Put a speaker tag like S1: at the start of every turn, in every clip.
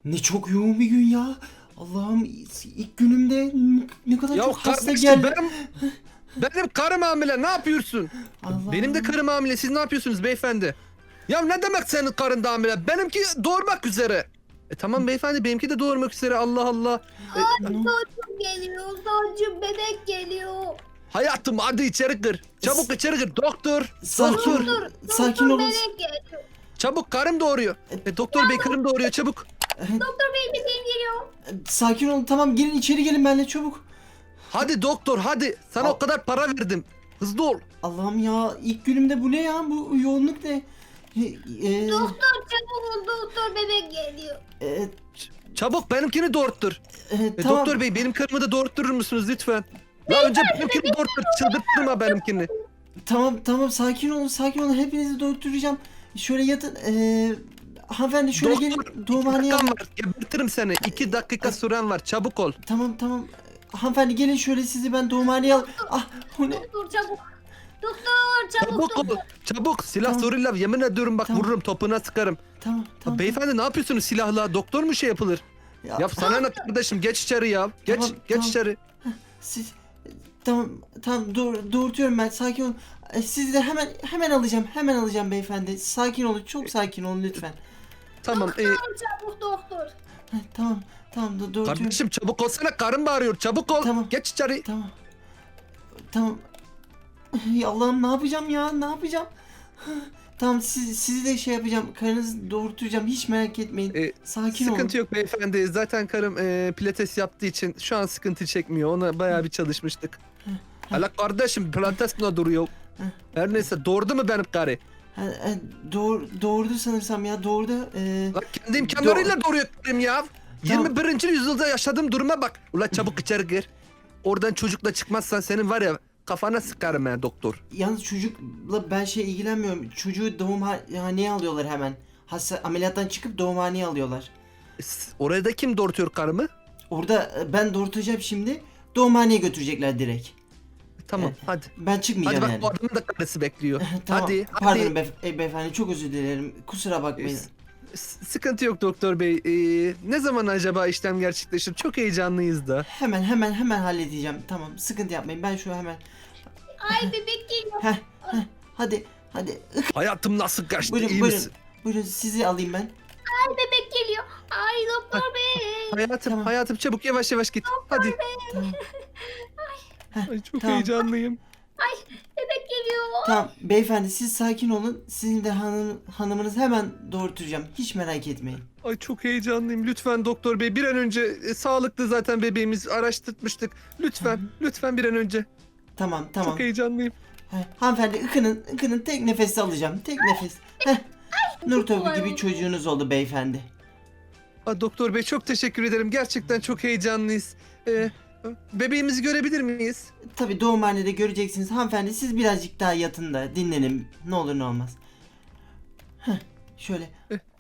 S1: Ne çok yoğun bir gün ya. Allah'ım, ilk günümde ne kadar
S2: Ya
S1: çok hasta
S2: kardeşim
S1: geldi.
S2: benim karım hamile, ne yapıyorsun? Benim de
S1: Allah'ım.
S2: karım hamile, siz ne yapıyorsunuz beyefendi? Ya ne demek senin karın da hamile? Benimki doğurmak üzere. Tamam beyefendi, benimki de doğurmak üzere, Allah Allah.
S1: Ne-
S3: Çocuğum geliyor. Çocuğum bebek geliyor.
S2: Hayatım hadi içeri gir. Çabuk içeri gir doktor.
S1: Sakin ol.
S3: Dur.
S1: Sakin olun.
S3: Bebek geliyor.
S2: Çabuk, karım doğuruyor. Doktor bey, karım doğuruyor, çabuk.
S3: Doktor bey bebeğim geliyor.
S1: Sakin olun, tamam, gelin içeri, gelin benimle çabuk.
S2: Hadi doktor hadi. Sana
S1: Al.
S2: o kadar para verdim. Hızlı ol.
S1: Allah'ım ya, ilk günümde bu ne ya, bu yoğunluk ne?
S3: Doktor çabuk ol. Doktor bebek geliyor.
S1: E,
S2: Çabuk benimkini doğurttur.
S1: tamam.
S2: Doktor bey, benim karımı da doğurtturur musunuz lütfen? Ya önce benimkini doğurttur. Çıldırttırma benimkini.
S1: Tamam, sakin olun, hepinizi dolduracağım. Şöyle yatın. Hanımefendi şöyle
S2: Doktor,
S1: gelin, doğumhaneye.
S2: dakikam var. Gebertirim seni. 2 dakika süren var. Çabuk ol.
S1: Tamam. Hanımefendi gelin, şöyle sizi ben doğumhaneye al. Ah, o ne?
S3: Doktor çabuk. Doktor çabuk.
S2: Çabuk ol. Çabuk. Silah
S1: Tamam.
S2: zoruyla yemin ediyorum bak,
S1: Tamam.
S2: vururum, topuna sıkarım.
S1: Tamam.
S2: Beyefendi ne yapıyorsunuz silahla? Doktor mu şey yapılır? Ya sana ne kardeşim, geç içeri ya. Geç
S1: Tamam.
S2: içeri.
S1: Siz tamam, doğurtuyorum ben, sakin olun. Sizi de hemen alacağım beyefendi. Sakin olun, çok sakin olun lütfen.
S2: Tamam.
S3: Çabuk doktor.
S1: Tamam, doğurtuyorum.
S2: Kardeşim çabuk olsana, karım bağırıyor. Çabuk ol.
S1: Tamam.
S2: Geç içeri.
S1: Tamam. Ay Allah'ım, ne yapacağım ya, ne yapacağım? Tamam, sizi de şey yapacağım, karınızı doğurtacağım, hiç merak etmeyin. Sakin olun.
S2: Sıkıntı yok beyefendi. Zaten karım pilates yaptığı için şu an sıkıntı çekmiyor. Ona bayağı bir çalışmıştık. Hala kardeşim, pilates ne duruyor? Her neyse, doğurdu mu benim karı?
S1: Doğurdu sanırsam ya, doğurdu.
S2: Lan kendi imkanlarıyla doğuruyor karım ya. 21. yüzyılda yaşadığım duruma bak. Ulan çabuk içeri gir. Oradan çocukla çıkmazsan senin var ya, kafana sıkarım ben doktor.
S1: Yalnız çocukla ben ilgilenmiyorum. Çocuğu doğumhaneye alıyorlar hemen. Ameliyattan çıkıp doğumhaneye alıyorlar.
S2: Oraya da kim doğurtuyor karımı?
S1: Orada ben doğurtacağım şimdi. Doğumhaneye götürecekler direkt.
S2: Tamam
S1: Evet.
S2: hadi.
S1: Ben
S2: Hadi
S1: çıkmayacağım
S2: bak,
S1: yani.
S2: bu adamın da karısı bekliyor.
S1: Tamam.
S2: Hadi
S1: Pardon beyefendi, çok özür dilerim. Kusura bakmayın.
S2: Sıkıntı yok doktor bey. Ne zaman acaba işlem gerçekleşir? Çok heyecanlıyız da.
S1: Hemen halledeceğim. Tamam, sıkıntı yapmayın. Ben şu hemen.
S3: Ay bebek geliyor.
S1: Heh, hadi.
S2: Hayatım nasıl kaçtı?
S1: Buyurun,
S2: İyi
S1: buyurun.
S2: misin?
S1: Buyurun, sizi alayım ben.
S3: Ay bebek geliyor. Ay doktor bey.
S2: Hayatım,
S1: Tamam.
S2: hayatım çabuk yavaş yavaş git. Hadi.
S1: Tamam.
S2: Ay, çok
S1: Tamam.
S2: heyecanlıyım.
S3: Bebek geliyor.
S1: Tamam beyefendi, siz sakin olun. Sizin de hanımınızı hemen doğurtacağım. Hiç merak etmeyin.
S2: Ay çok heyecanlıyım. Lütfen doktor bey, bir an önce sağlıklı zaten bebeğimiz, araştırmıştık. Lütfen bir an önce.
S1: Tamam.
S2: Çok heyecanlıyım.
S1: Hanımefendi, ıkının tek nefeste alacağım. Tek nefes. Nur topu gibi çocuğunuz oldu beyefendi.
S2: Doktor bey çok teşekkür ederim. Gerçekten çok heyecanlıyız. Bebeğimizi görebilir miyiz?
S1: Tabii doğumhanede göreceksiniz. Hanımefendi, siz birazcık daha yatın da dinlenin. Ne olur ne olmaz. Şöyle.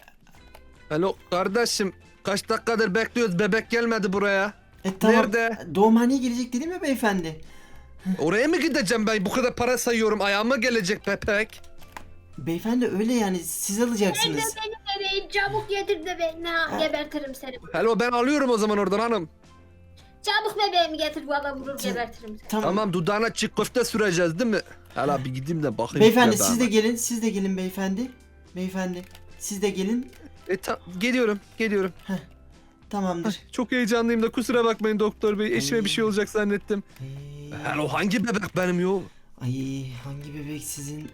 S2: Alo kardeşim, kaç dakikadır bekliyoruz, bebek gelmedi buraya.
S1: Tamam.
S2: Nerede?
S1: Doğumhaneye gelecek dedim ya beyefendi.
S2: Oraya mı gideceğim ben? Bu kadar para sayıyorum, ayağıma gelecek bebek.
S1: Beyefendi öyle yani, siz alacaksınız.
S3: Benim bebeğim çabuk getir de ben gebertirim seni.
S2: Hello, ben alıyorum o zaman oradan hanım.
S3: Çabuk bebeğimi getir, bu adam vurur gebertirim seni.
S2: Tamam, dudağına çiğ köfte süreceğiz değil mi? Hala bir gideyim de bakayım.
S1: Beyefendi
S2: bebeğime.
S1: siz de gelin beyefendi. Beyefendi siz de gelin.
S2: Geliyorum.
S1: Tamamdır.
S2: Çok heyecanlıyım da kusura bakmayın doktor bey. Eşime bir şey olacak zannettim.
S1: Ay,
S2: Hello, hangi bebek benim yo?
S1: hangi bebek sizin?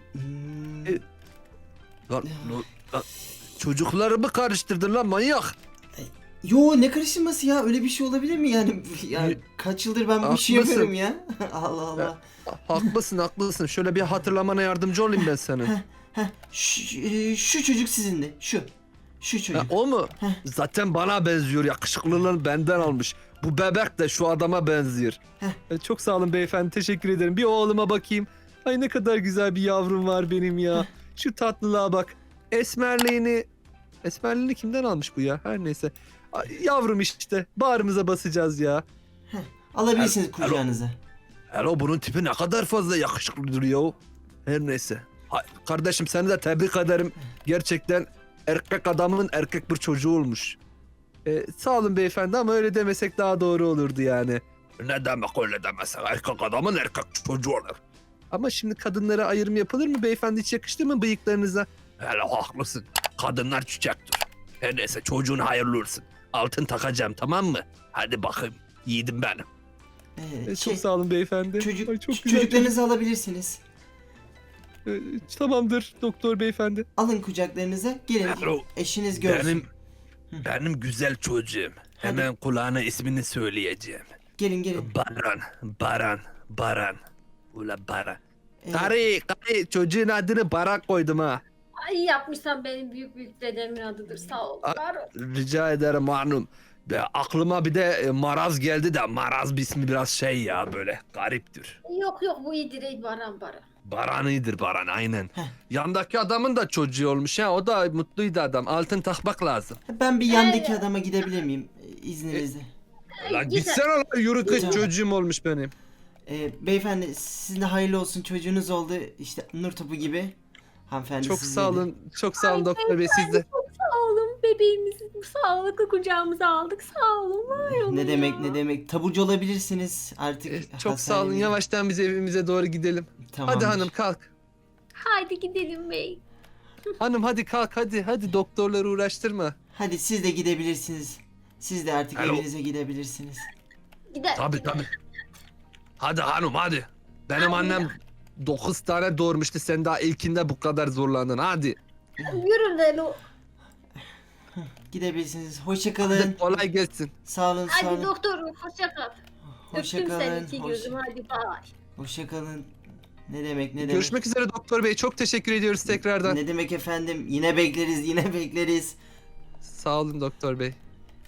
S2: Lan, çocuklarımı karıştırdın lan manyak.
S1: Yo, ne karıştırması ya, öyle bir şey olabilir mi yani? Ya kaç yıldır ben bu işi
S2: Haklısın.
S1: yapıyorum ya. Allah Allah.
S2: Haklısın. Şöyle bir hatırlamana yardımcı olayım ben senin.
S1: Şu çocuk sizindi. Şu çocuk.
S2: O mu?
S1: Heh.
S2: Zaten bana benziyor. Yakışıklılığını benden almış. Bu bebek de şu adama benziyor. Çok sağ olun beyefendi. Teşekkür ederim. Bir oğluma bakayım. Ay ne kadar güzel bir yavrum var benim ya. Şu tatlılığa bak. Esmerliğini kimden almış bu ya? Her neyse. Ay, yavrum işte. Bağrımıza basacağız ya.
S1: Alabilirsiniz kucağınıza.
S2: Hello, bunun tipi ne kadar fazla yakışıklı duruyor. Her neyse. Kardeşim, seni de tebrik ederim. Gerçekten erkek adamın erkek bir çocuğu olmuş. Sağ olun beyefendi ama öyle demesek daha doğru olurdu yani. Ne demek öyle demesek? Erkek adamın erkek çocuğu olur. Ama şimdi kadınlara ayrım yapılır mı beyefendi? Hiç yakıştı mı bıyıklarınıza? Hele haklısın. Kadınlar çiçektir. Her neyse çocuğun hayırlı olsun. Altın takacağım tamam mı? Hadi bakayım. Yiğidim benim. Çok sağ olun beyefendi. Ay, çok güzel
S1: Çocuklarınızı alabilirsiniz.
S2: Tamamdır doktor beyefendi.
S1: Alın kucaklarınıza. Gelin eşiniz görsün.
S2: Benim güzel çocuğum. Hemen kulağına ismini söyleyeceğim.
S1: Gelin.
S2: Baran. Ula Baran. Karı çocuğun adını Baran koydum ha.
S3: Ay yapmışsan benim büyük dedemin adıdır. Sağ ol. Var ol.
S2: Rica ederim hanım. Aklıma bir de Maraz geldi de Maraz bir ismi biraz şey ya böyle gariptir.
S3: Yok bu iyidir ey Baran.
S2: Baran iyidir Baran aynen. Yandaki adamın da çocuğu olmuş ha o da mutluydu adam. Altın takmak lazım.
S1: Ben bir yandaki adama gidebilir miyim izninizle?
S2: Lan gitsene lan yürü kız çocuğum olmuş benim.
S1: Beyefendi sizin de hayırlı olsun çocuğunuz oldu işte nur topu gibi. Hanımefendi
S2: Çok
S1: sizin
S2: sağ
S1: de.
S2: olun. Çok sağ olun doktor bey siz de.
S3: Çok sağ olun bebeğimizi sağlıklı kucağımıza aldık. Sağ olun var olun
S1: Ne demek taburcu olabilirsiniz artık.
S2: Çok sağ olun.
S1: hastanemize.
S2: Yavaştan biz evimize doğru gidelim.
S1: Tamamdır.
S2: Hadi hanım kalk.
S3: Haydi gidelim bey.
S2: Hanım hadi kalk hadi. Hadi doktorları uğraştırma.
S1: Hadi siz de gidebilirsiniz. Siz de artık
S2: Alo.
S1: evinize gidebilirsiniz.
S3: Gidelim.
S2: Tabii. Hadi hanım hadi. Benim annem 9 tane doğurmuştu. Sen daha ilkinde bu kadar zorlandın. Hadi.
S3: Yürü Lelo.
S1: Gidebilirsiniz. Hoşça kalın.
S2: Hadi kolay gelsin.
S1: Sağ olun.
S3: Hadi doktor hoşça kal.
S1: Hoşça
S3: Öptüm seni
S1: kalın.
S3: iki gözüm hadi bay.
S1: Hoşça kalın. Ne demek?
S2: Görüşmek üzere doktor bey. Çok teşekkür ediyoruz tekrardan.
S1: Ne demek efendim? Yine bekleriz.
S2: Sağ olun doktor bey.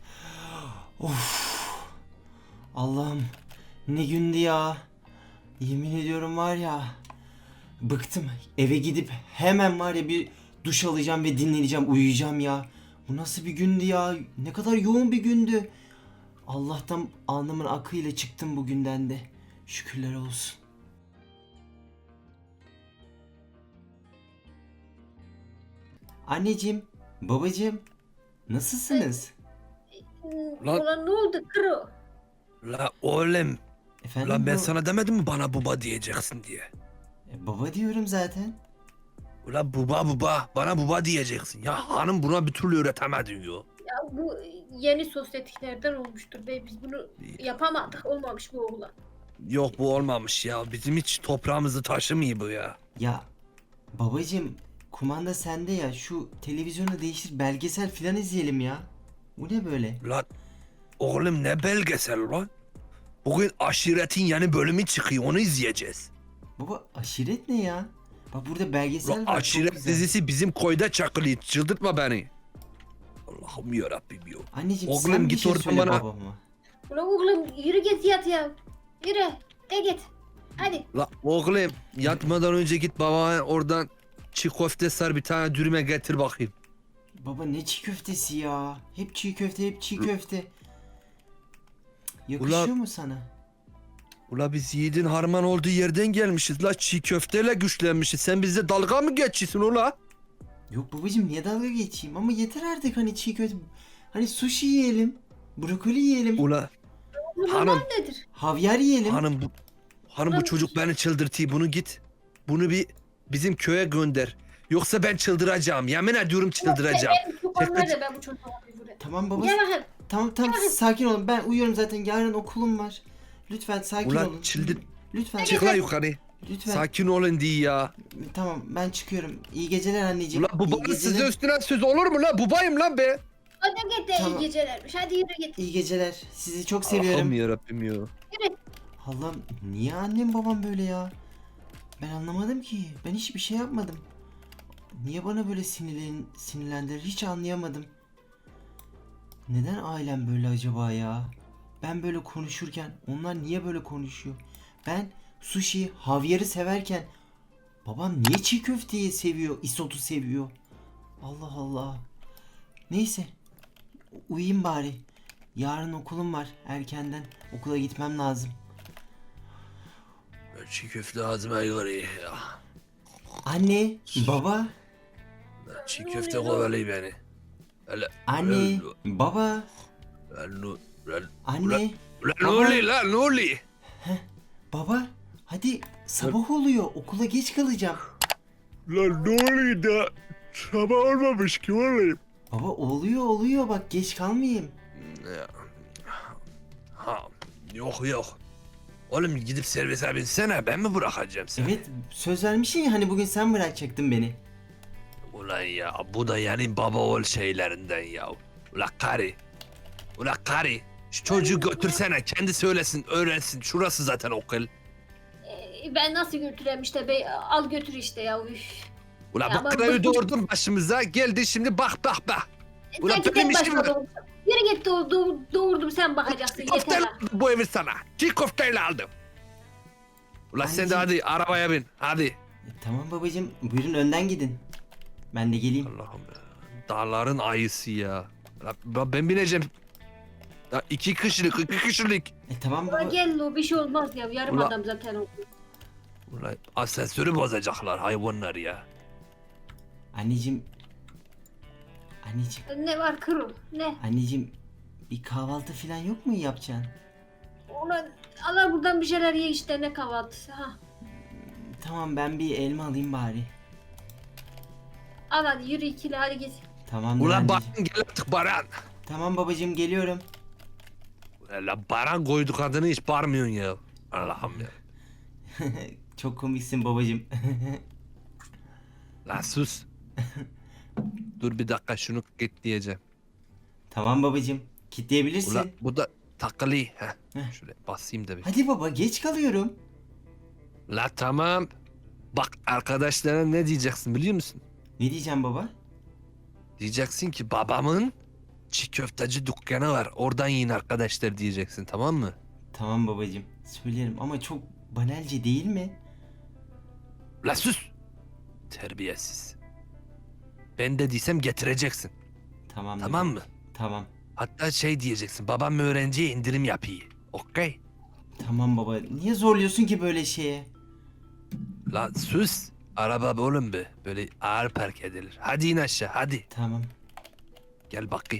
S1: Allah'ım ne gündü ya. Yemin ediyorum var ya. Bıktım. Eve gidip hemen var ya bir duş alacağım ve dinleneceğim, uyuyacağım ya. Bu nasıl bir gündü ya? Ne kadar yoğun bir gündü. Allah'tan alnımın akıyla çıktım bugünden de. Şükürler olsun. Anneciğim, babacığım, nasılsınız?
S2: Lan-
S3: Ulan ne oldu kro?
S2: La oğlum.
S1: Efendim
S2: Lan ben
S1: bu-
S2: sana demedim mi bana baba diyeceksin diye.
S1: Baba diyorum zaten.
S2: Ula baba bana baba diyeceksin. Ya hanım buna bir türlü öğretemedin yo.
S3: Ya bu yeni sosyetiklerden olmuştur bey. Biz bunu yapamadık. Olmamış bu oğlan.
S2: Yok bu olmamış ya. Bizim hiç toprağımızı taşımıyor bu ya.
S1: Ya babacığım, kumanda sende ya. Şu televizyonu değiştir, belgesel filan izleyelim ya. Bu ne böyle?
S2: Lan oğlum ne belgesel lan? Bugün aşiretin yeni bölümü çıkıyor onu izleyeceğiz.
S1: Baba aşiret ne ya? Bak burada belgesel
S2: Lan
S1: var. çok
S2: aşiret
S1: güzel.
S2: dizisi bizim koyda çakılıyor. Çıldırtma beni. Allah'ım yarabbim ya.
S1: Anneciğim
S2: Oğlum,
S1: sen bir
S2: git
S1: şey
S2: oradan
S1: söyle
S2: bana.
S1: babama.
S3: Ulan oğlum yürü git yat ya. Yürü. De git. Hadi.
S2: La oğlum yatmadan önce git babana oradan çiğ köfte sar bir tane dürüme getir bakayım.
S1: Baba ne çiğ köftesi ya? Hep çiğ köfte. Yakışıyor
S2: Ulan-
S1: mu sana?
S2: Ula biz yiğidin harman olduğu yerden gelmişiz la çiğ köfteyle güçlenmişiz. Sen bizde dalga mı geçiyorsun ula?
S1: Yok babacığım niye dalga geçeyim ama yeter artık hani çiğ köfte. Hani sushi yiyelim. Brokoli yiyelim.
S2: Ula
S3: Bu
S2: Hanım.
S3: normal nedir?
S1: Havyar yiyelim.
S2: hanım bu çocuk beni çıldırtıyor. Bunu git. Bunu bir bizim köye gönder. Yoksa ben çıldıracağım. Yemin ediyorum çıldıracağım.
S3: Bu konularda ben bu çocuğa bir vurayım.
S1: Tamam baba.
S3: Gel bakayım.
S1: Tamam sakin olun. Ben uyuyorum zaten. Yarın okulum var. Lütfen sakin
S2: Ulan
S1: olun.
S2: çıldır.
S1: Lütfen.
S2: Çık la yukarı.
S1: Lütfen.
S2: Sakin olun diye ya.
S1: Tamam ben çıkıyorum. İyi geceler anneciğim.
S2: Ula bu
S1: İyi
S2: bana
S1: geceler.
S2: size üstüne söz olur mu la? Bubayım lan be.
S3: Hadi git de
S1: Tamam.
S3: iyi gecelermiş. Hadi yürü git.
S1: İyi geceler. Sizi çok seviyorum.
S2: Allah'ım yarabbim ya.
S1: Allah'ım niye annem babam böyle ya? Ben anlamadım ki. Ben hiçbir şey yapmadım. Niye bana böyle sinirlendiler hiç anlayamadım. Neden ailem böyle acaba ya? Ben böyle konuşurken onlar niye böyle konuşuyor? Ben sushi, havyarı severken babam niye çiğ köfteyi seviyor, isotu seviyor? Allah Allah. Neyse. Uyuyayım bari. Yarın okulum var erkenden. Okula gitmem lazım.
S2: Çiğ köfte ağzıma yarıyor ya.
S1: Anne, baba,
S2: Çiğ köfte kovalıyor beni. Hele,
S1: anne, baba.
S2: Lan
S1: Anne,
S2: ne oluyor lan ne oluyor?
S1: baba, hadi sabah oluyor. Okula geç kalacağım.
S2: Lan ne oluyor da sabah olmamış ki olayım.
S1: Baba oluyor bak geç kalmayayım.
S2: Ha, yok. Oğlum gidip servise binsene ben mi bırakacağım seni?
S1: Evet söz vermişsin ya hani bugün sen bırakacaktın beni.
S2: Ulan ya bu da yani baba oğul şeylerinden ya. Ulan karı. Şu çocuğu götürsene kendi söylesin öğrensin. Şurası zaten okul.
S3: Ben nasıl götüreyim işte bey, al götür işte ya. Üf.
S2: Ulan
S3: Ya
S2: bu
S3: bak-
S2: karayı doğurdun başımıza geldi şimdi bak. Ulan
S3: Sanki
S2: benim
S3: tek
S2: işim
S3: başıma
S2: var.
S3: doğurdum. Yürü git doğurdum sen bakacaksın yeter
S2: Köfteyle
S3: ha.
S2: aldım bu evi sana. Çiğ köfteyle aldım. Ulan sen de
S1: Anneciğim.
S2: hadi arabaya bin hadi.
S1: Tamam babacığım buyurun önden gidin. Ben de geleyim.
S2: Allah'ım ya. Dağların ayısı ya. Ben bineceğim. Ya iki kişilik.
S1: Tamam
S3: Ulan
S1: baba.
S3: gel o bir şey olmaz ya yarım
S2: Ulan-
S3: adam zaten o.
S2: Ulan asansörü bozacaklar hayvanlar ya.
S1: Anneciğim.
S3: Ne var kırıl ne?
S1: Anneciğim bir kahvaltı falan yok mu yapacaksın?
S3: Ulan Allah buradan bir şeyler ye işte ne kahvaltısı ha.
S1: Tamam ben bir elma alayım bari.
S3: Al hadi yürü ikili hadi git.
S1: Tamamdır
S2: Ulan
S1: anneciğim.
S2: Baran gel artık Baran.
S1: Tamam babacığım geliyorum.
S2: Ulan Baran koyduk adını hiç bağırmıyorsun ya. Allah'ım ya.
S1: Çok komiksin babacığım.
S2: Lan sus. Dur bir dakika şunu git diyeceğim.
S1: Tamam babacığım. Kitleyebilirsin.
S2: Ulan bu da takılı. Heh.
S1: Heh.
S2: Şöyle basayım da bir.
S1: Hadi baba geç kalıyorum.
S2: La tamam. Bak arkadaşlara ne diyeceksin biliyor musun?
S1: Ne diyeceğim baba?
S2: Diyeceksin ki babamın çiğ köfteci dükkanı var. Oradan yiyin arkadaşlar diyeceksin tamam mı?
S1: Tamam babacığım. Söylerim ama çok banalce değil mi?
S2: La sus. Terbiyesiz. Ben de diysem getireceksin.
S1: Tamam.
S2: Tamam mı?
S1: Tamam.
S2: Hatta şey diyeceksin. Babam öğrenciye indirim yapıyor. Okey?
S1: Tamam baba. Niye zorluyorsun ki böyle şeye?
S2: La sus. Araba oğlum be. Böyle ağır park edilir. Hadi in aşağı hadi.
S1: Tamam.
S2: Gel bakayım.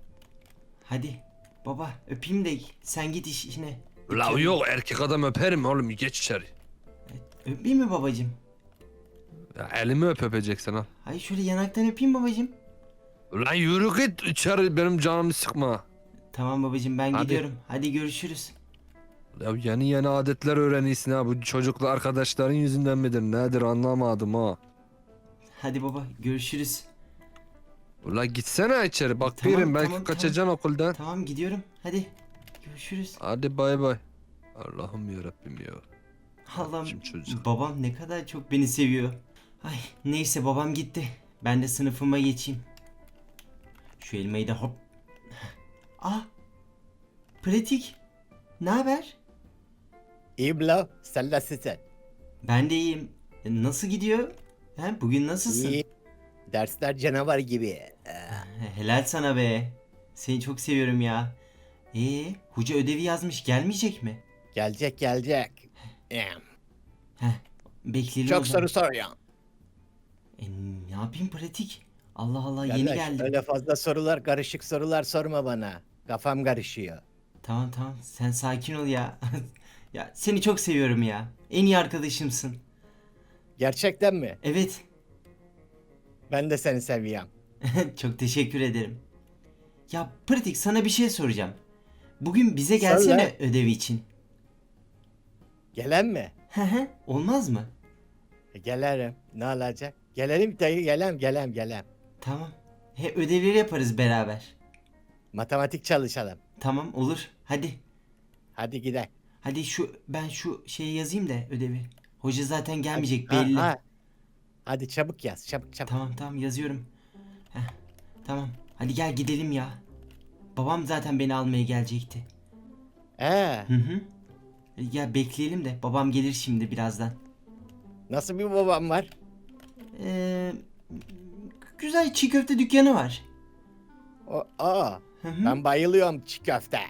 S1: Hadi. Baba öpeyim de sen git işine.
S2: La yok erkek adam öperim oğlum geç içeri.
S1: Öpeyim mi babacığım?
S2: Ya elimi öpeceksin ha.
S1: Hayır şöyle yanaktan öpeyim babacığım.
S2: Ulan yürü git içeri benim canımı sıkma.
S1: Tamam babacığım ben
S2: Hadi.
S1: gidiyorum. Hadi görüşürüz.
S2: Ya yeni adetler öğreniyorsun ha. Bu çocuklu arkadaşların yüzünden midir nedir anlamadım ha.
S1: Hadi baba görüşürüz.
S2: Ulan gitsene içeri bak
S1: Tamam,
S2: birim belki
S1: tamam,
S2: kaçacaksın okuldan.
S1: Tamam gidiyorum. Hadi görüşürüz.
S2: Hadi bay bay. Allah'ım yarabbim ya.
S1: Allah'ım
S2: Şimdi çocuk.
S1: babam ne kadar çok beni seviyor. Ay neyse babam gitti. Ben de sınıfıma geçeyim. Şu elmayı da hop. Ah. Pratik. Ne haber?
S4: İyi blo, sen nasılsın?
S1: Ben de iyiyim. Nasıl gidiyor? He, bugün nasılsın?
S4: İyi. Dersler canavar gibi.
S1: Helal sana be. Seni çok seviyorum ya. Hoca ödevi yazmış gelmeyecek mi?
S4: Gelecek.
S1: Bekleyelim o
S4: Çok
S1: zaman.
S4: soru soruyor.
S1: Ne yapayım pratik? Allah Allah yeni
S4: Kardeş,
S1: geldim.
S4: öyle fazla sorular, karışık sorular sorma bana. Kafam karışıyor.
S1: Tamam sen sakin ol ya. Ya seni çok seviyorum ya. En iyi arkadaşımsın.
S4: Gerçekten mi?
S1: Evet.
S4: Ben de seni seviyorum.
S1: Çok teşekkür ederim. Ya pratik sana bir şey soracağım. Bugün bize
S4: Sor
S1: gelsene
S4: lan.
S1: ödevi için.
S4: Gelen mi?
S1: Olmaz mı?
S4: Gelirim. Ne olacak? Gelelim dayı, gelem.
S1: Tamam. Ödevleri yaparız beraber.
S4: Matematik çalışalım.
S1: Tamam olur. Hadi.
S4: Hadi gidelim.
S1: Hadi ben şu şeyi yazayım da ödevi. Hoca zaten gelmeyecek belli.
S4: Hadi çabuk yaz, çabuk.
S1: Tamam yazıyorum. Tamam. Hadi gel gidelim ya. Babam zaten beni almaya gelecekti. Hı. Gel bekleyelim de babam gelir şimdi birazdan.
S4: Nasıl bir babam var?
S1: Ee, Güzel çiğ köfte dükkanı var. Hı.
S4: Ben bayılıyorum çiğ köfte.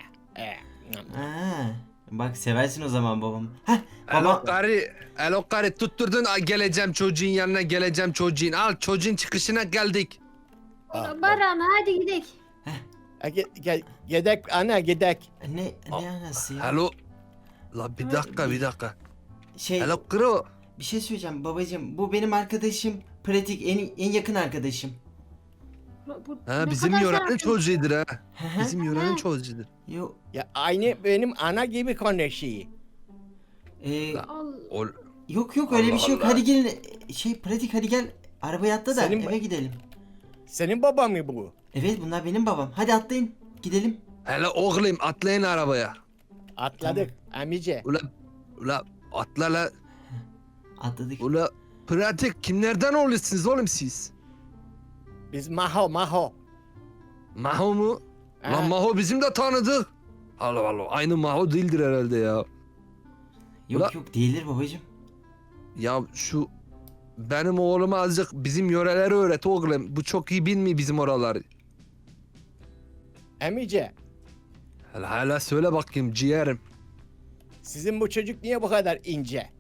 S1: Bak seversin o zaman babam.
S2: Alo karı tutturdun geleceğim çocuğun yanına geleceğim çocuğun. Al çocuğun çıkışına geldik.
S3: Baran hadi gidelim.
S4: Gidek ana gidek.
S1: Ne anası ya?
S2: Hello. La bir dakika bir dakika.
S1: Şey,
S2: Hello kro.
S1: bir şey söyleyeceğim babacığım. Bu benim arkadaşım Pratik, en yakın arkadaşım.
S3: Bu
S2: Ha
S3: ne
S2: bizim
S3: kadar
S2: yörenin
S3: zararlı.
S2: çocuğudur ha.
S1: Hı hı.
S2: Bizim yörenin çocuğudur.
S1: Yo,
S4: Ya aynı benim ana gibi konuşuyor.
S3: Allah.
S2: Ol.
S1: yok öyle bir
S2: Allah
S1: şey yok.
S2: Allah.
S1: Hadi gelin. Pratik hadi gel. Arabaya atla da
S4: Senin
S1: eve gidelim.
S4: Senin baba mı bu?
S1: Evet bunlar benim babam. Hadi atlayın. Gidelim.
S2: Hele oğlum atlayın arabaya.
S4: Atladık amice.
S2: Ula atla la.
S1: Atladık.
S2: Ula pratik kimlerden oluyorsunuz oğlum siz?
S4: Biz Maho.
S2: Maho mu?
S4: Ha.
S2: Lan Maho bizim de tanıdık. Allah Allah aynı Maho değildir herhalde ya.
S1: Yok yok değildir babacığım.
S2: Ya şu benim oğluma azıcık bizim yöreleri öğret oğlum. Bu çok iyi bilmiyor bizim oraları.
S4: Amice,
S2: Hele söyle bakayım ciğerim.
S4: sizin bu çocuk niye bu kadar ince?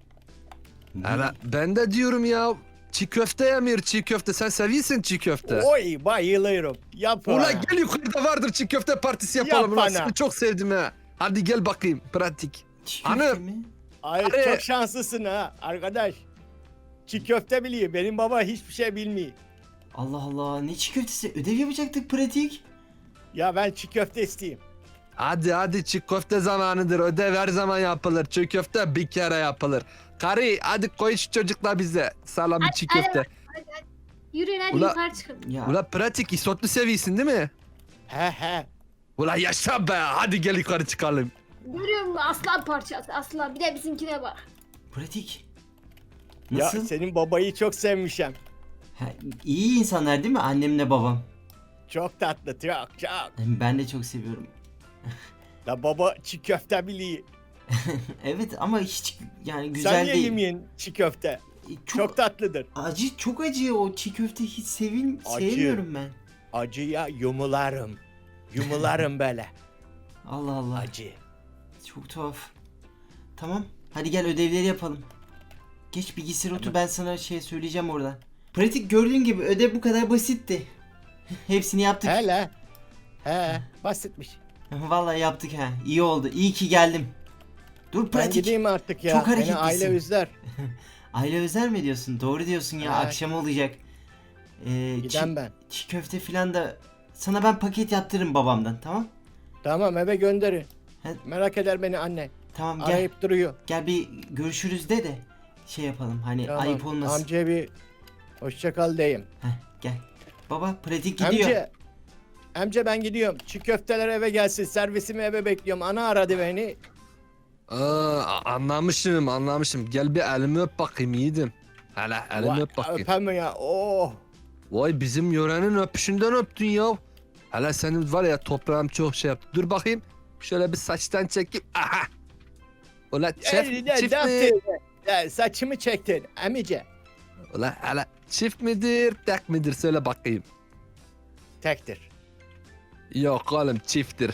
S2: Hele ben de diyorum ya çiğ köfte yemiyor çiğ köfte. Sen seviyorsun çiğ köfte.
S4: Oy bayılıyorum. Yap
S2: Ula
S4: bana.
S2: gel yukarıda vardır çiğ köfte partisi yapalım.
S4: Yap
S2: Ulan
S4: bana.
S2: seni çok sevdim ha. Hadi gel bakayım pratik.
S1: Çiğ köfte
S2: Hanım.
S1: mi?
S4: Ay
S2: Hadi.
S4: çok şanslısın ha arkadaş. Çiğ köfte biliyor. Benim baba hiçbir şey bilmiyor.
S1: Allah Allah ne çiğ köftesi? Ödev yapacaktık Pratik.
S4: Ya ben çiğ köfte isteyeyim.
S2: Hadi çiğ köfte zamanıdır. Ödev her zaman yapılır. Çiğ köfte bir kere yapılır. Karı hadi koy şu çocukla bize. Salami çiğ
S3: hadi.
S2: köfte.
S3: Yürüyün hadi
S2: Ula-
S3: yukarı çıkın.
S1: Ya
S2: Ula pratik isotlu seviyorsun değil mi?
S4: He.
S2: Ula yaşa be. Hadi gel yukarı çıkalım.
S3: Görüyor musun aslan parçası aslan. Bir de bizimkine bak.
S1: Pratik.
S4: Ya
S1: Nasıl?
S4: senin babayı çok sevmişim.
S1: Ha, iyi insanlar değil mi annemle babam?
S4: Çok tatlı çok.
S1: Ben de çok seviyorum.
S4: La baba çiğ köfte biliyor.
S1: Evet ama hiç yani
S4: Sen
S1: güzel
S4: niye
S1: değil.
S4: yemeyin çiğ köfte? Çok tatlıdır.
S1: acı, çok acı o çiğ köfte hiç
S4: Acı.
S1: sevmiyorum ben.
S4: Acıya yumularım. Yumularım böyle.
S1: Allah Allah.
S4: Acı.
S1: Çok tuhaf. Tamam. Hadi gel ödevleri yapalım. Geç bilgisayara otur ben sana şey söyleyeceğim oradan. Pratik gördüğün gibi ödev bu kadar basitti. Hepsini yaptık.
S4: Hele. He basitmiş.
S1: Vallahi yaptık ha. İyi oldu. İyi ki geldim. Dur
S4: Ben
S1: pratik.
S4: gideyim artık ya.
S1: Çok
S4: Beni
S1: hareketlisin.
S4: aile üzler.
S1: Aile özel mi diyorsun? Doğru diyorsun ya.
S4: Evet.
S1: Akşam olacak.
S4: Giden ben.
S1: Çiğ köfte filan da sana ben paket yaptırırım babamdan. Tamam?
S4: Tamam eve gönderin.
S1: He.
S4: Merak eder beni anne.
S1: Tamam gel.
S4: Arayıp duruyor.
S1: Gel bir görüşürüz de şey yapalım. Hani
S4: Tamam.
S1: ayıp olmasın.
S4: Amcaya bir hoşça kal diyeyim.
S1: Heh, gel. Baba pratik gidiyor.
S4: Amca ben gidiyorum. Çiğ köfteler eve gelsin. Servisimi eve bekliyorum. Ana aradı beni.
S2: Anlamışım. Gel bir elimi öp bakayım yiğidim. Hele elimi
S4: Vay,
S2: öp bakayım.
S4: öpem ya. Oh.
S2: Vay bizim yörenin öpüşünden öptün ya. Hele senin var ya toprağım çok şey yaptı. Dur bakayım. Şöyle bir saçtan çekeyim. Aha. Ula
S4: Ne
S2: çift mi?
S4: yaptın? Ya, saçımı çektin. Amice.
S2: Ula hele çift midir tek midir söyle bakayım.
S4: Tektir.
S2: Yok oğlum çifttir.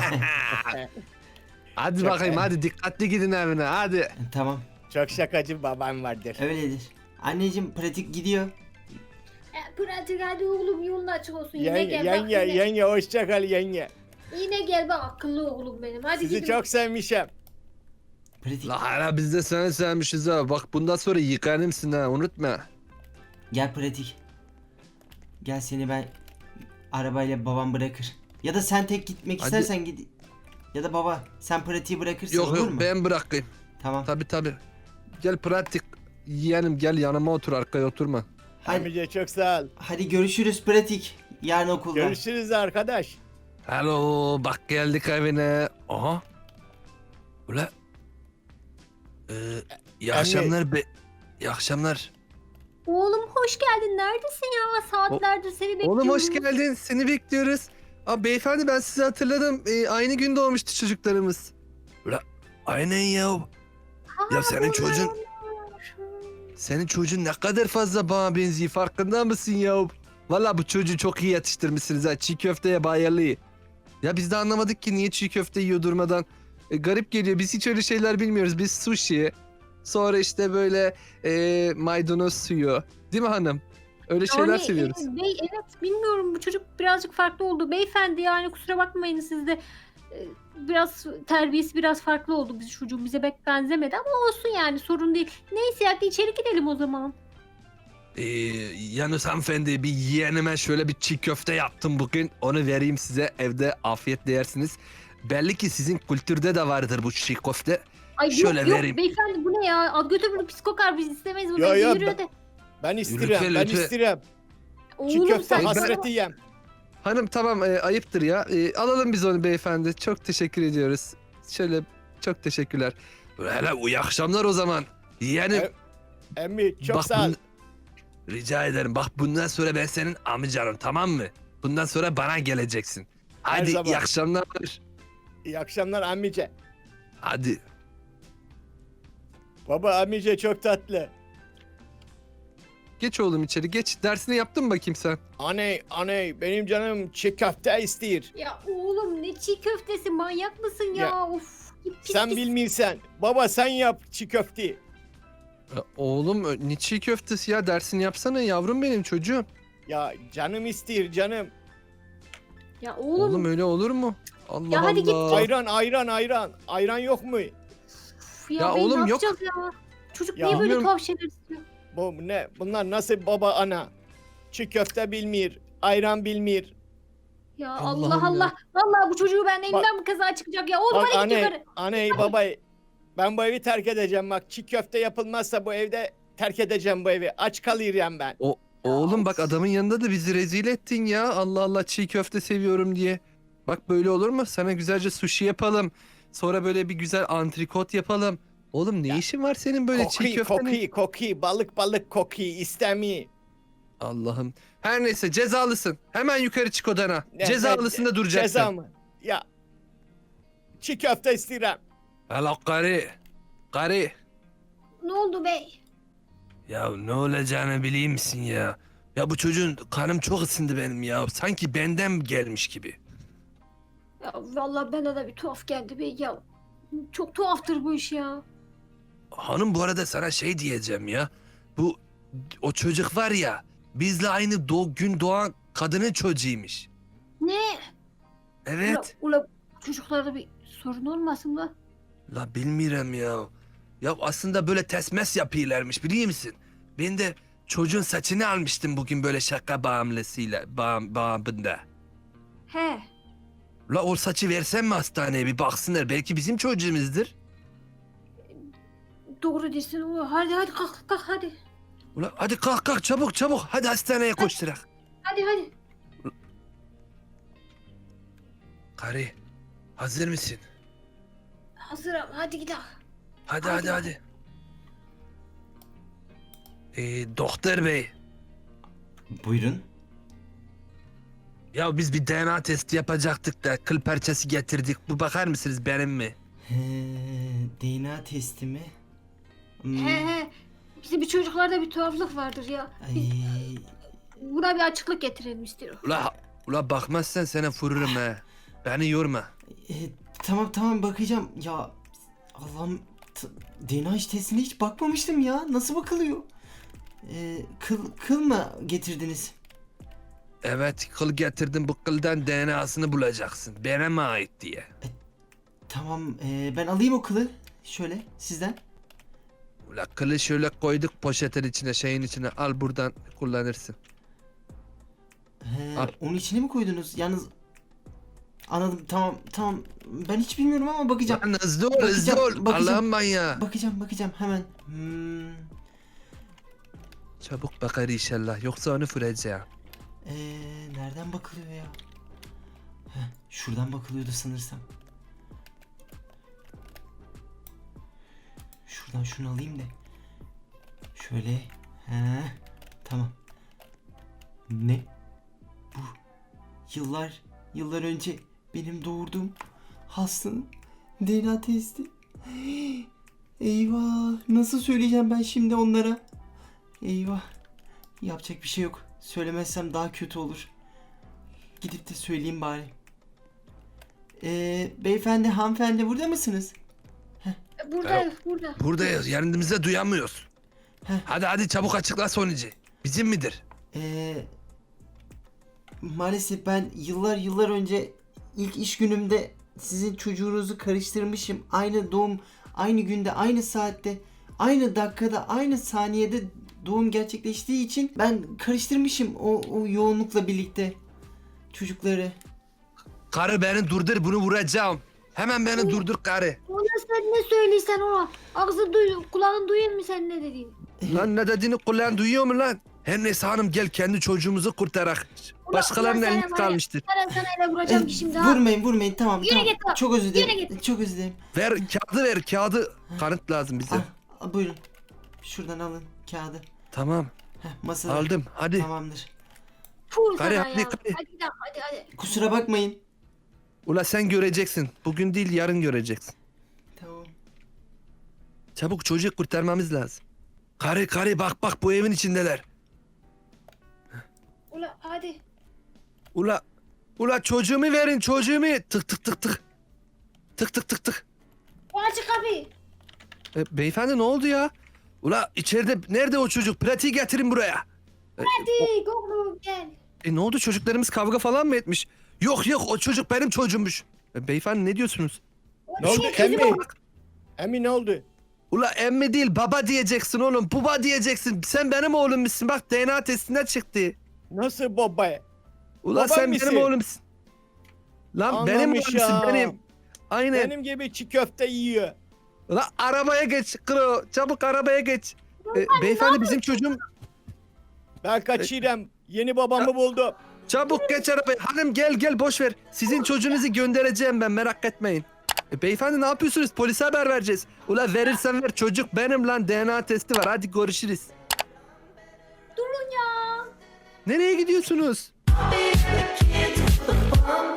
S2: Hadi
S4: Çok
S2: bakayım
S4: iyi.
S2: hadi dikkatli gidin evine hadi.
S1: Tamam.
S4: Çok şakacı babam vardır.
S1: Öyledir. Anneciğim pratik gidiyor.
S3: Pratik hadi oğlum yolun açık olsun. Yine gel bak.
S4: Yenge hoşça kal yenge.
S3: Yine gel bak akıllı oğlum benim. Hadi
S4: Sizi
S3: gidin.
S4: çok sevmişim.
S1: Pratik
S2: La hala biz de seni sevmişiz ha. Bak bundan sonra yıkanımsın ha unutma.
S1: gel pratik. Gel seni ben arabayla babam bırakır. Ya da sen tek gitmek
S2: Hadi.
S1: istersen git. Ya da baba sen pratiği bırakırsın
S2: Yok
S1: olur
S2: yok
S1: mu?
S2: ben bırakayım.
S1: Tamam.
S2: Tabi. Gel pratik yeğenim gel yanıma otur arkaya oturma.
S1: Hadi,
S4: Amice çok sağ ol.
S1: hadi görüşürüz pratik. Yarın okulda.
S4: Görüşürüz arkadaş.
S2: Alo bak geldik evine. Aha. Ula. İyi
S4: Anne.
S2: akşamlar be. İyi akşamlar.
S3: Oğlum hoş geldin. Neredesin ya? Saatlerdir seni bekliyorum.
S2: Oğlum hoş geldin. Seni bekliyoruz. Aa, beyefendi ben sizi hatırladım. Aynı gün doğmuştu çocuklarımız. Ula aynen ya. Ya senin Senin çocuğun ne kadar fazla bana benziyor farkında mısın ya? Valla bu çocuğu çok iyi yetiştirmişsiniz ha. Çiğ köfteye bayılı. Ya biz de anlamadık ki niye çiğ köfte yiyor durmadan. Garip geliyor. Biz hiç öyle şeyler bilmiyoruz. Biz sushi. Sonra işte böyle maydanoz suyu. Değil mi hanım? Öyle şeyler seviyoruz.
S3: Bey, evet bilmiyorum, bu çocuk birazcık farklı oldu. Beyefendi yani kusura bakmayın siz de. Biraz terbiyesi biraz farklı oldu. Biz çocuğun bize pek benzemedi ama olsun yani, sorun değil. Neyse hadi içeri gidelim o zaman.
S2: Yalnız hanımefendi, bir yeğenime şöyle bir çiğ köfte yaptım bugün. Onu vereyim size, evde afiyetle yersiniz. Belli ki sizin kültürde de vardır bu çiğ köfte.
S3: Ay
S2: Şöyle
S3: yok
S2: vereyim.
S3: beyefendi, bu ne ya? Al götür bunu, pis kokar, biz istemeyiz bunu.
S4: Ya, ya,
S3: Yürü hadi.
S4: Ben istirem,
S2: Lütfen,
S4: ben
S2: lütfen.
S4: istirem. Çiğ
S3: Oğlum
S4: köfte
S3: sen
S4: hasreti yem.
S2: Hanım tamam, ayıptır ya. Alalım biz onu beyefendi. Çok teşekkür ediyoruz. Şöyle, çok teşekkürler. Hele iyi akşamlar o zaman. Yeğenim.
S4: Emmi çok
S2: Bak
S4: sağ ol.
S2: rica ederim. Bak bundan sonra ben senin amcanım, tamam mı? Bundan sonra bana geleceksin. Hadi
S4: zaman.
S2: iyi akşamlar.
S4: İyi akşamlar ammice.
S2: Hadi.
S4: Baba ammice çok tatlı.
S2: Geç oğlum içeri geç. Dersini yaptın mı bakayım sen?
S4: Aney benim canım çiğ köfte istiyor.
S3: Ya oğlum ne çiğ köftesi, manyak mısın ya?
S4: Ya,
S3: Of. Pis
S4: Sen
S3: pis.
S4: bilmiyorsan. Baba sen yap çiğ köfteyi.
S2: Oğlum ne çiğ köftesi ya, dersini yapsana yavrum benim çocuğum.
S4: Ya canım istiyor canım.
S3: Ya
S2: Oğlum,
S3: oğlum.
S2: öyle olur mu? Allah
S3: Ya hadi git.
S2: Allah.
S4: Ayran. Ayran yok mu?
S3: Uf ya,
S2: Ya
S3: bey,
S2: oğlum
S3: ne
S2: yok.
S3: yapacağız ya? Çocuk
S4: Ya
S3: niye böyle
S2: bilmiyorum.
S3: tuhaf şeyler istiyor?
S4: Bu ne? Bunlar nasıl baba ana? Çiğ köfte bilmiyor. Ayran bilmiyor.
S3: Ya
S2: Allah'ım
S3: Allah
S2: ya.
S3: Allah. Vallahi bu çocuğu ben elimden mi kaza çıkacak ya? Oğlum
S4: Bak
S3: hadi git yukarı.
S4: aney baba. Ben bu evi terk edeceğim bak. Çiğ köfte yapılmazsa bu evde terk edeceğim bu evi. Aç kalıyorum ben.
S2: Oğlum bak,
S3: of.
S2: adamın yanında da bizi rezil ettin ya. Allah Allah, çiğ köfte seviyorum diye. Bak böyle olur mu? Sana güzelce sushi yapalım. Sonra böyle bir güzel antrikot yapalım. Oğlum ne
S4: Ya,
S2: işin var senin böyle çiğ köftenin?
S4: Koki, balık koki istemiyor.
S2: Allah'ım. Her neyse, cezalısın. Hemen yukarı çık odana.
S4: Ne-
S2: Cezalısında duracaksın.
S4: Ceza mı? Ya çiğ köfte istiyorum.
S2: Hala karı. Karı.
S3: Ne oldu bey?
S2: Ya ne olacağını bileyim misin ya? Ya bu çocuğun kanım çok ısındı benim ya. Sanki benden gelmiş gibi.
S3: Ya vallahi bana da bir tuhaf geldi bey ya. Çok tuhaftır bu iş ya.
S2: Hanım, bu arada sana şey diyeceğim ya. O çocuk var ya, bizle aynı gün doğan kadının çocuğuymuş.
S3: Ne?
S2: Evet.
S3: Ula çocuklarda bir sorun olmasın da.
S2: La bilmiyorum ya. Ya aslında böyle tesmes yapıyorlarmış, biliyor musun? Ben de çocuğun saçını almıştım bugün böyle şaka bağımlısıyla, bağımında.
S3: He.
S2: La o saçı versem mi hastaneye, bir baksınlar, belki bizim çocuğumuzdur.
S3: Doğru diyorsun. Hadi kalk hadi.
S2: Ula hadi kalk çabuk hadi hastaneye koşturak.
S3: Hadi.
S2: Karı, hazır mısın?
S3: Hazırım, hadi gidelim.
S2: Hadi. Doktor bey.
S1: Buyurun.
S2: Ya biz bir DNA testi yapacaktık da kıl parçası getirdik. Bu bakar mısınız, benim mi?
S1: DNA testi mi?
S3: He. Bizim bir çocuklarda bir tuhaflık vardır ya. Biz
S1: Ay,
S3: buna bir açıklık getirelim istiyorum.
S2: Ula bakmazsan sana vururum ha. Beni yorma.
S1: tamam bakacağım. Ya Allah'ım, DNA testine hiç bakmamıştım ya. Nasıl bakılıyor? Kıl mı getirdiniz?
S2: Evet, kıl getirdim, bu kıldan DNA'sını bulacaksın. Bana mı ait diye.
S1: Tamam, ben alayım o kılı. Şöyle sizden.
S2: Ula kılı şöyle koyduk poşetin içine, şeyin içine, al buradan kullanırsın. Al.
S1: Onun içine mi koydunuz? Yalnız anladım, tamam. Ben hiç bilmiyorum ama bakacağım.
S2: Lan hızlı ol.
S1: Bakacağım.
S2: Allah'ım manyağı.
S1: Bakacağım hemen.
S2: Çabuk bakar inşallah, yoksa onu vuracağım.
S1: Nereden bakılıyor ya? Şuradan bakılıyordu sanırsam. Şuradan şunu alayım da. Şöyle. Tamam. Ne? Bu yıllar önce benim doğurduğum hastanın DNA testi. Eyvah! Nasıl söyleyeceğim ben şimdi onlara? Eyvah! Yapacak bir şey yok. Söylemezsem daha kötü olur. Gidip de söyleyeyim bari. Beyefendi, hanımefendi burada mısınız?
S3: Burada.
S2: Buradayız, yanımızda duyamıyoruz.
S1: Heh.
S2: Hadi çabuk açıkla sonucu. Bizim midir?
S1: Maalesef ben yıllar önce ilk iş günümde sizin çocuğunuzu karıştırmışım. Aynı doğum, aynı günde, aynı saatte, aynı dakikada, aynı saniyede doğum gerçekleştiği için ben karıştırmışım o yoğunlukla birlikte çocukları.
S2: Karı beni durdur, bunu vuracağım. Hemen beni durdur karı.
S3: Ona sen ne söyleysen ona. Ağzı kulağın duyuyor mu sen ne dediğini?
S2: Lan ne dediğini kulağın duyuyor mu lan? Her neyse hanım gel kendi çocuğumuzu kurtarak. Başkalarının
S3: ulan sen
S2: elinde
S3: var ya,
S2: kalmıştır.
S3: Ben sana ele vuracağım ki şimdi ha.
S1: Vurmayın tamam.
S3: Yürü
S1: tamam.
S3: git lan,
S1: Çok özür dilerim.
S3: yürü git.
S1: Çok özür dilerim.
S2: Ver kağıdı ver kağıdı. Kanıt lazım bize.
S1: Buyurun. Şuradan alın kağıdı.
S2: Tamam
S1: Masada.
S2: aldım hadi.
S1: Tamamdır.
S3: Fuh
S2: Hadi,
S3: sana
S2: hadi,
S3: ya.
S2: hadi.
S3: Hadi lan, hadi.
S1: Kusura bakmayın.
S2: Ula sen göreceksin. Bugün değil yarın göreceksin.
S1: Tamam.
S2: Çabuk çocuğu kurtarmamız lazım. Karı bak bu evin içindeler.
S3: Ula hadi.
S2: Ula çocuğumu verin çocuğumu. Tık. Tık.
S3: Aç kapıyı.
S2: Beyefendi ne oldu ya? Ula içeride nerede o çocuk? Pratiği getirin buraya.
S3: Hadi oğlum gel.
S2: Ne oldu çocuklarımız kavga falan mı etmiş? Yok o çocuk benim çocuğummuş. Beyefendi ne diyorsunuz?
S4: Ne oldu
S3: Şey,
S4: emmi? Emmi ne oldu?
S2: Ula emmi değil baba diyeceksin oğlum. Baba diyeceksin. Sen benim oğlummuşsun. Bak DNA testinden çıktı.
S4: Nasıl baba?
S2: Ula
S4: Babam
S2: sen
S4: mısın?
S2: benim oğlumsun. Lan benim
S4: Anlamış
S2: oğlumsun
S4: ya.
S2: benim. Aynen.
S4: Benim gibi çiğ köfte yiyor.
S2: Ula arabaya geç Kro. Çabuk arabaya geç. Beyefendi bizim çocuğum.
S4: Ben kaçırım. Yeni babamı buldum.
S2: Çabuk geç arabaya. Hanım gel boş ver. Sizin çocuğunuzu göndereceğim ben merak etmeyin. Beyefendi ne yapıyorsunuz? Polise haber vereceğiz. Ula verirsen ver çocuk benim lan DNA testi var. Hadi görüşürüz.
S3: Durun ya.
S2: Nereye gidiyorsunuz?
S5: Be the kid with the bomb